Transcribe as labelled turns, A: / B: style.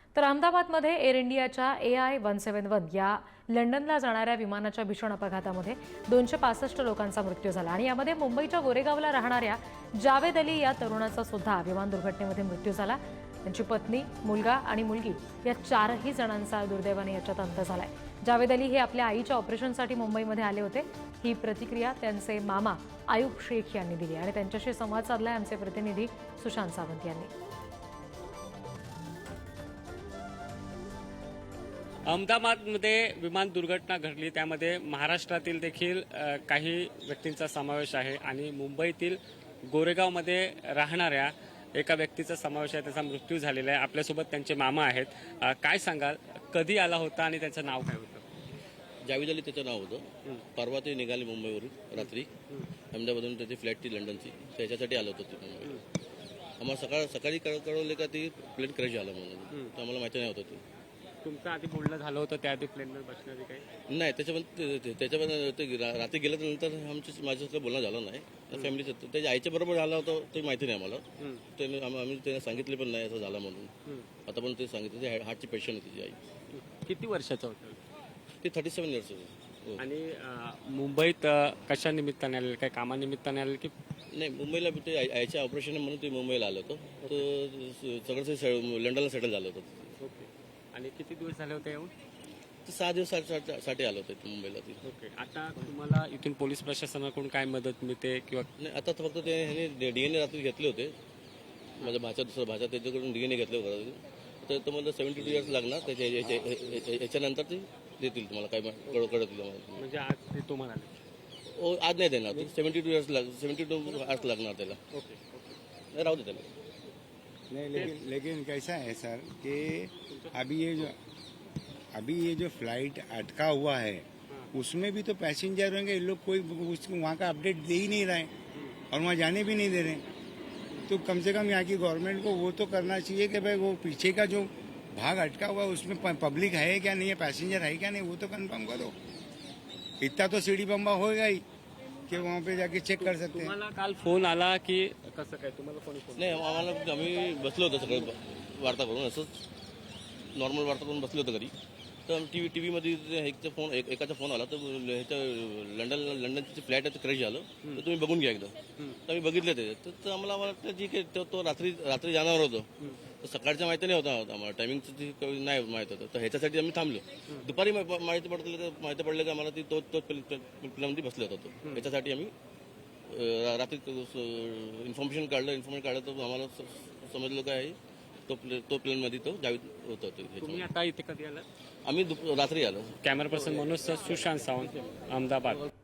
A: तर अहमदाबादमध्ये एअर इंडियाच्या AI-171 या लंडनला जाणाऱ्या विमानाच्या भीषण अपघातामध्ये 265 लोकांचा मृत्यू झाला आणि यामध्ये मुंबईच्या गोरेगावला राहणाऱ्या जावेद अली या तरुणाचा सुद्धा विमान दुर्घटनेमध्ये मृत्यू झाला। त्यांची पत्नी, मुलगा आणि मुलगी या चारही जणांचा दुर्दैवाने याच्यात अंत झालाय। जावेद अली हे आपल्या आईच्या ऑपरेशनसाठी मुंबईमध्ये आले होते। ही प्रतिक्रिया त्यांचे मामा आयुब शेख यांनी दिली आणि त्यांच्याशी संवाद साधलाय आमचे प्रतिनिधी सुशांत सावंत यांनी।
B: अहमदाबादमध्ये विमान दुर्घटना घडली, त्यामध्ये महाराष्ट्रातील देखील काही व्यक्तींचा समावेश आहे आणि मुंबईतील गोरेगावमध्ये राहणाऱ्या एका व्यक्तीचा समावेश आहे, त्याचा मृत्यू झालेला आहे। आपल्यासोबत त्यांचे मामा आहेत। काय सांगाल, कधी आला होता आणि त्याचं नाव काय होतं?
C: जावेद अली त्याचं नाव होतं। परवा ते निघाले मुंबईवरून रात्री, अहमदाबादवरून त्याची फ्लाईट ती लंडनची, त्याच्यासाठी आलं होतं ते मुंबईला। आम्हाला सकाळी कळवले का ती प्लेन क्रॅश झालं म्हणून, तर आम्हाला माहिती नाही होतं ते।
B: तुमचं आधी बोलणं झालं होतं त्याआधी प्लेनवर बसण्याची काही?
C: नाही, त्याच्यामध्ये ते रात्री गेल्यानंतर माझ्यासोबत बोलणं झालं नाही। फॅमिलीचं त्याच्या आईच्या बरोबर झालं होतं ते माहिती नाही आम्हाला। आम्ही त्यांना सांगितले पण नाही असं झालं म्हणून। आता पण ते सांगितलं, ते हार्टची पेशंट आहे तिची आई।
B: किती वर्षाचं होतं
C: ते 37 इयर्स होते।
B: आणि मुंबईत कशा निमित्ताने आलेलं, काही कामानिमित्ताने आलेलं की?
C: नाही, मुंबईला ते आईच्या ऑपरेशन म्हणून ते मुंबईला आलं होतं। तर सगळं लंडनला सेटल झालं होतं।
B: ओके. आणि किती दिवस झाले होते येऊन?
C: ते 6 दिवसासाठी आलं होतं मुंबईला ती।
B: ओके. आता तुम्हाला इथून पोलीस प्रशासनाकडून काय मदत मिळते किंवा?
C: नाही, आता फक्त ते DNA रात्री घेतले होते। माझ्या दुसरा भाचा त्याच्याकडून DNA घेतले होते। तर तुम्हाला 72 इयर्स लागणार, याच्यानंतर ते देतील तुम्हाला, काय कळतील तुम्हाला।
B: म्हणजे आज ते तुम्हाला आले?
C: आज नाही देणार, 72 इयर्स 72 आवर्स लागणार त्याला।
B: ओके.
C: नाही, राहू दे त्याला।
D: नहीं, लेकिन कैसा है सर कि अभी ये जो फ्लाइट अटका हुआ है उसमें भी तो पैसेंजर होंगे। ये लोग कोई वहाँ का अपडेट दे ही नहीं रहे और वहाँ जाने भी नहीं दे रहे। तो कम से कम यहाँ की गवर्नमेंट को वो तो करना चाहिए कि भाई वो पीछे का जो भाग अटका हुआ है उसमें पब्लिक है क्या नहीं है, पैसेंजर है क्या नहीं, वो तो कंफर्म करो। इतना तो सीढ़ी बम्बा होगा ही कि वहाँ पे जाके चेक कर सकते हैं।
B: तुम्हाला काल फोन आला की कसं काय? तुम्हाला फोन?
C: नाही, आम्ही बसलो होतो सगळं वार्ता करून, असंच नॉर्मल वार्ता करून बसलो होतो घरी। तर टीव्हीमध्ये एकाचा फोन आला, तर ह्याचं लंडनची फ्लाईट क्रॅश झालं, तर तुम्ही बघून घ्या एकदा। तर आम्ही बघितलं ते, तर आम्हाला वाटतं ठीक आहे, तो रात्री जाणार होतो। तर सकाळच्या माहिती नाही होता आम्हाला, टायमिंगचं नाही माहित होतं, तर ह्याच्यासाठी आम्ही थांबलो। दुपारी माहिती पडलं की आम्हाला तो प्लेनमध्ये बसला होता तो, ह्याच्यासाठी आम्ही रात्री इन्फॉर्मेशन काढलं, तर आम्हाला समजलं काय तो प्लेनमध्ये तो जावेद होता।
B: तुम्ही आता इथे कधी आलात?
C: आम्ही रात्री आलो।
B: Camera person Manoj sir, Sushant Sawant, Ahmedabad.